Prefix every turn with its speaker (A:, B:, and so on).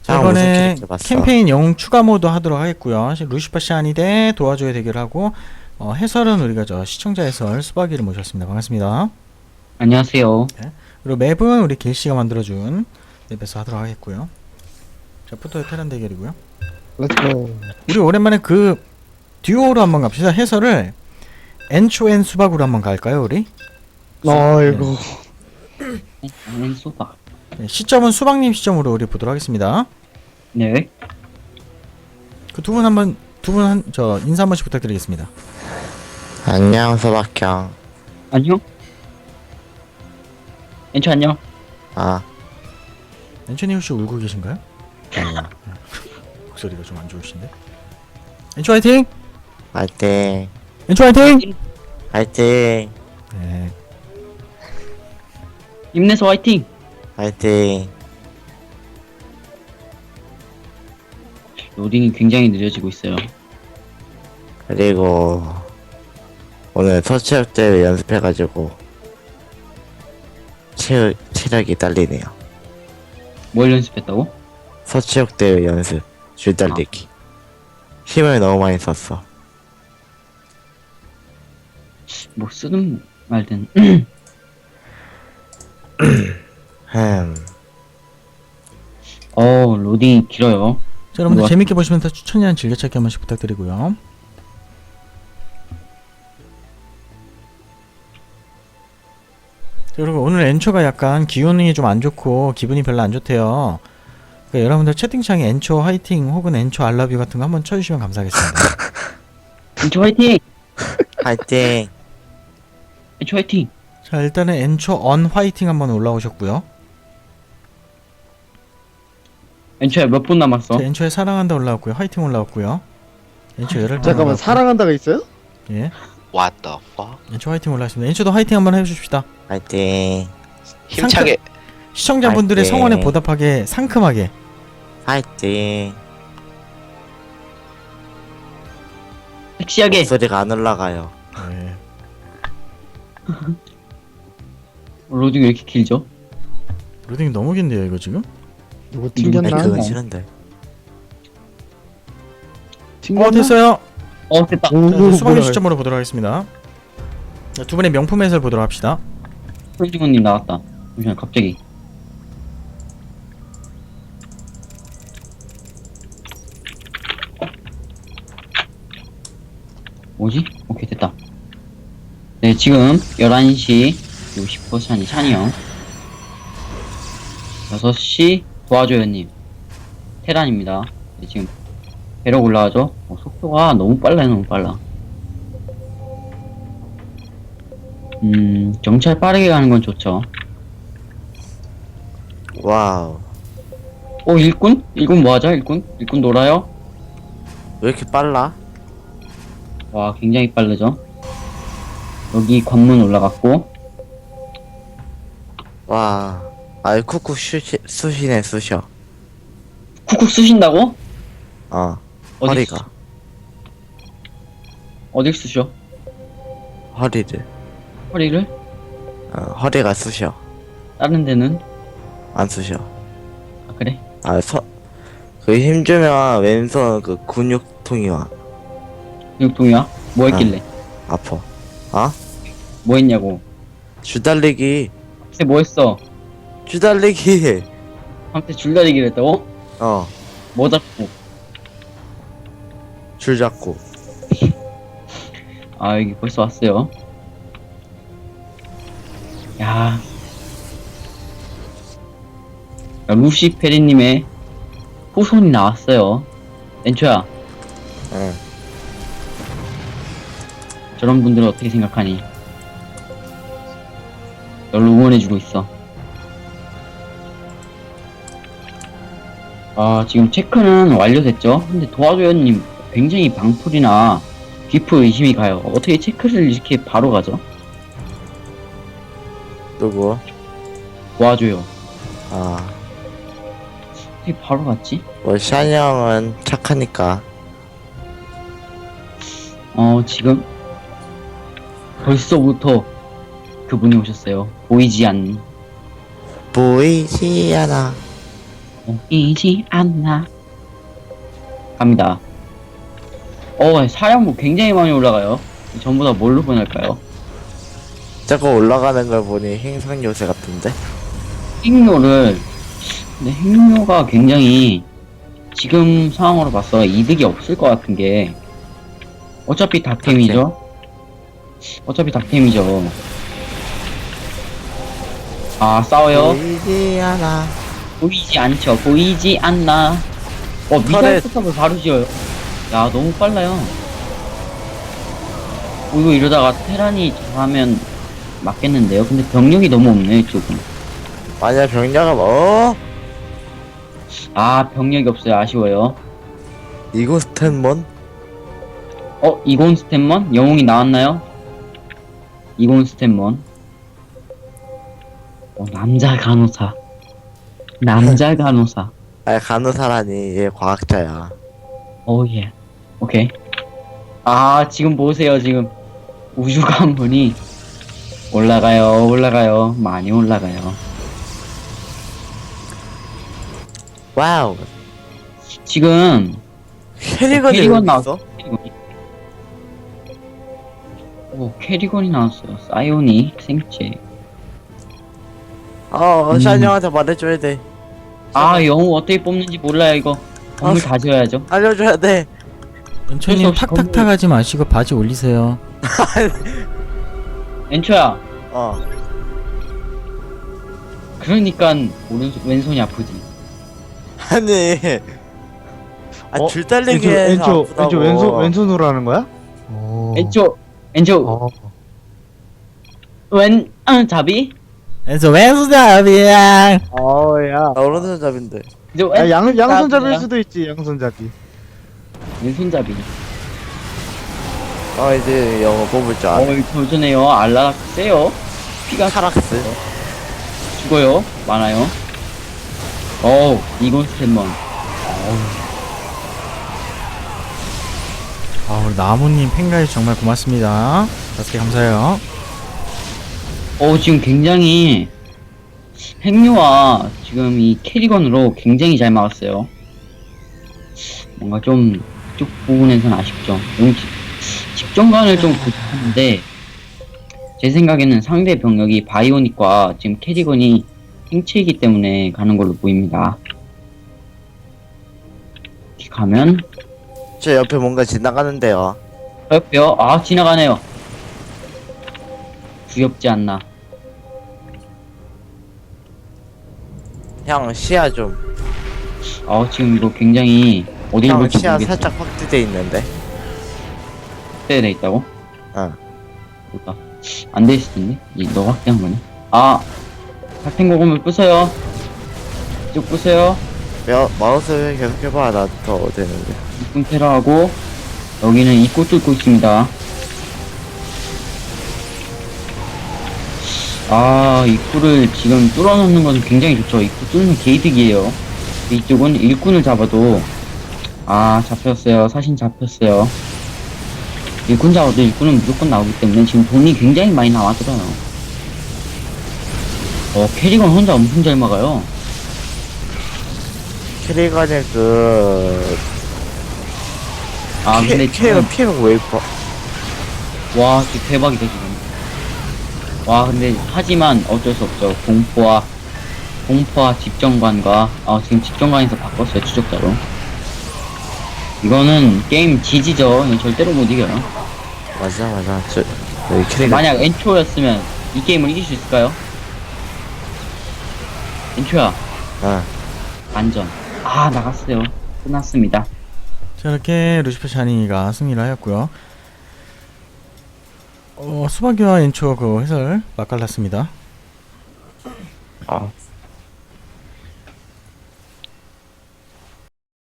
A: 자,
B: 무슨
A: 이번에
B: 캐릭터 봤어?
A: 캠페인 영웅 추가 모드 하도록 하겠고요. 루시퍼 시아니 대 도와줘야 대결하고 해설은 우리가 시청자 해설 수박이를 모셨습니다. 반갑습니다.
C: 안녕하세요.
A: 그리고 맵은 우리 길씨가 만들어준 맵에서 하도록 하겠고요. 자, 포토의 테란 대결이고요.
D: 렛츠고.
A: 우리 오랜만에 그 듀오로 한번 갑시다. 해설을 엔초엔 수박으로 한번 갈까요, 우리?
D: 아이고.
C: 소박.
A: 네, 시점은 수박님 시점으로 우리 보도록 하겠습니다.
C: 네.
A: 그 두 분 인사 한 번씩 부탁드리겠습니다.
B: 안녕, 소박형.
C: 안녕. 엔초 안녕.
B: 아,
A: 엔초님 혹시 울고 계신가요?
B: 아니야.
A: 목소리가 좀 안 좋으신데. 엔초 화이팅!
B: 화이팅.
A: 엔초 화이팅!
B: 화이팅.
A: 네.
C: 힘내서 화이팅.
B: 화이팅.
C: 로딩이 굉장히 느려지고 있어요.
B: 그리고 오늘 서체력 대회 연습해가지고 체력이 딸리네요.
C: 뭘 연습했다고?
B: 서체력 대회 연습. 줄 달리기. 힘을 너무 많이 썼어.
C: 뭐 쓰든 말든. 로딩이 길어요.
A: 자, 여러분들
C: 우와.
A: 재밌게 보시면서 추천이랑 즐겨찾기 한 번씩 부탁드리고요. 자, 그리고 오늘 엔초가 약간 기운이 좀 안 좋고 기분이 별로 안 좋대요. 그러니까 여러분들 채팅창에 엔초 화이팅 혹은 엔초 알러뷰 같은 거 한번 쳐주시면 감사하겠습니다.
C: 엔초 화이팅.
B: 화이팅.
C: 엔초 화이팅.
A: 자, 일단은 엔초 언 화이팅 한번 올라오셨고요.
C: 엔초야 몇 분 남았어?
A: 자, 엔초에 사랑한다 올라왔고요. 화이팅 올라왔고요. 엔초 열혈
D: 잠깐만, 사랑한다가 있어요?
A: 예.
E: What the fuck?
A: 엔초 화이팅 올라왔습니다. 엔초도 화이팅 한번 해주십시다.
B: 화이팅.
E: 힘차게.
A: 시청자분들의
B: 화이팅.
A: 성원에 보답하게 상큼하게.
B: 화이팅.
C: 섹시하게.
B: 목소리가 안 올라가요.
A: 네.
C: 로딩이 왜 이렇게 길죠?
A: 로딩이 너무 긴데요, 이거 지금?
D: 누구
B: 아니,
D: 튕겼나?
B: 그건 싫은데.
D: 튕겼나?
A: 됐어요.
C: 됐다.
A: 자,
D: 오,
A: 이제 수박의
D: 뭐야.
A: 시점으로 보도록 하겠습니다. 자, 두 분의 명품 해설 보도록 합시다.
C: 솔직원님 나왔다. 잠시만 갑자기. 뭐지? 오케이 됐다. 네 지금 11시 50% 샤니 형 6시 도와줘요님 테란입니다. 네, 지금 배럭 올라가죠? 속도가 너무 빨라요. 너무 빨라. 정찰 빠르게 가는 건 좋죠.
B: 와우.
C: 일꾼? 일꾼 뭐하죠? 일꾼? 일꾼 놀아요?
B: 왜 이렇게 빨라?
C: 와 굉장히 빠르죠. 여기 관문 올라갔고
B: 와. 아이, 쿡쿡 쑤시네, 쑤셔.
C: 쿡쿡 쑤신다고? 어디
B: 허리가.
C: 어딜 쑤셔?
B: 허리를.
C: 허리를?
B: 허리가 쑤셔.
C: 다른 데는?
B: 안 쑤셔.
C: 아 그래?
B: 그 힘주면 왼손 그 근육통이 와.
C: 근육통이야? 뭐 했길래?
B: 아파.
C: 뭐 했냐고.
B: 줄달리기.
C: 글쎄 뭐 했어?
B: 줄달리기.
C: 한테 줄다리기를 했다고? 뭐 잡고?
B: 줄 잡고.
C: 여기 벌써 왔어요. 야 루시페리님의 후손이 나왔어요. 엔초야
B: 응.
C: 저런 분들은 어떻게 생각하니? 널 응원해주고 있어. 지금 체크는 완료됐죠? 근데 도와줘요님 굉장히 방풀이나 비프 의심이 가요. 어떻게 체크를 이렇게 바로 가죠?
B: 누구?
C: 도와줘요. 어떻게 바로 갔지?
B: 뭐 샤니 형은 착하니까.
C: 지금 벌써부터 그분이 오셨어요. 보이지 않는.
B: 보이지 않아.
C: 보이지 않나. 갑니다. 사령부 굉장히 많이 올라가요. 전부 다 뭘로 보낼까요?
B: 자꾸 올라가는 걸 보니 행성 요새 같은데?
C: 핵료를, 근데 핵료가 굉장히 지금 상황으로 봐서 이득이 없을 것 같은 게, 어차피 닥템이죠? 어차피 닥템이죠. 아, 싸워요?
B: 보이지 않아.
C: 보이지 않죠. 보이지 않나. 미사일 포탑을 바로 지어요. 야, 너무 빨라요. 이거 이러다가 테란이 잘하면 맞겠는데요? 근데 병력이 너무 없네, 이쪽은.
B: 만약 병력을
C: 병력이 없어요. 아쉬워요.
B: 이거 스탠먼?
C: 이곤 스탠먼? 영웅이 나왔나요? 이곤 스탠먼. 남자 간호사. 남자 간호사.
B: 아 간호사라니 얘 과학자야.
C: 예. 오케이. 지금 보세요, 지금. 우주 관문이 올라가요. 많이 올라가요.
B: 와우.
C: 지금,
B: 캐리건이
C: 캐리건
B: 여기
C: 나왔어.
B: 있어?
C: 캐리건이 나왔어요. 사이오닉 생체.
B: 샤니 형한테 말해줘야 돼.
C: 영웅 어떻게 뽑는지 몰라요, 이거. 건물 다 지어야죠.
B: 알려줘야 돼.
A: 엔초님
C: 없이
A: 탁탁탁 하지 마시고 바지 올리세요.
C: 엔초야,
B: 어.
C: 그러니까 왼손이 아프지.
B: 아니. 줄 달리기 해서
D: 왼쪽 왼손으로 하는 거야? 오.
C: 엔초,
D: 어.
C: 잡이?
A: 엔초 왼손잡이야.
D: 야.
B: 나 오른손잡인데.
D: 양손잡이일 수도 있지, 양손잡이.
C: 왼손잡이.
B: 이제 영어 뽑을 줄 알아.
C: 도전해요. 알라 세요. 피가
B: 카락스.
C: 죽어요. 많아요. 이건 스탠먼.
A: 우리 나무님 팬가이 정말 고맙습니다. 5개 감사해요.
C: 지금 굉장히 핵류와 지금 이 캐리건으로 굉장히 잘 막았어요. 뭔가 좀 이쪽 부분에서는 아쉽죠. 집정관을 좀 부족하는데 제 생각에는 상대 병력이 바이오닉과 지금 캐리건이 행체이기 때문에 가는 걸로 보입니다. 이렇게 가면
B: 저 옆에 뭔가 지나가는데요.
C: 옆에요. 지나가네요. 귀엽지 않나.
B: 형 시야 좀.
C: 지금 이거 굉장히 어디를
B: 형
C: 볼지
B: 시야
C: 모르겠어.
B: 살짝 확대돼 있는데.
C: 확대돼 있다고?
B: 어.
C: 몰라. 안 돼 있을 텐데? 너 확대한 거네. 같은 고금을 부숴요. 쭉 부숴요.
B: 마우스 계속 해봐. 나 더 되는데.
C: 입구 테러하고, 여기는 입구 뚫고 있습니다. 입구를 지금 뚫어놓는 건 굉장히 좋죠. 입구 뚫는 게이득이에요. 이쪽은 일꾼을 잡아도, 잡혔어요. 사신 잡혔어요. 일꾼 잡아도 일꾼은 무조건 나오기 때문에 지금 돈이 굉장히 많이 나와들어요. 캐리건 혼자 엄청 잘 막아요.
B: 캐리건의
C: 근데
B: 캐리건 피해가 왜 이뻐?
C: 와, 진짜 대박이다, 지금. 근데, 하지만 어쩔 수 없죠. 공포와 집정관과, 지금 집정관에서 바꿨어요, 추적자로. 이거는 게임 지지죠. 이건 절대로 못 이겨요.
B: 맞아. 여기 캐리건.
C: 만약 엔초였으면 이 게임을 이길 수 있을까요? 엔초야, 안전. 나갔어요. 끝났습니다.
A: 자, 이렇게 루시퍼 샤니가 승리를 하였고요. 수박이와 엔초 그 해설 맛깔났습니다.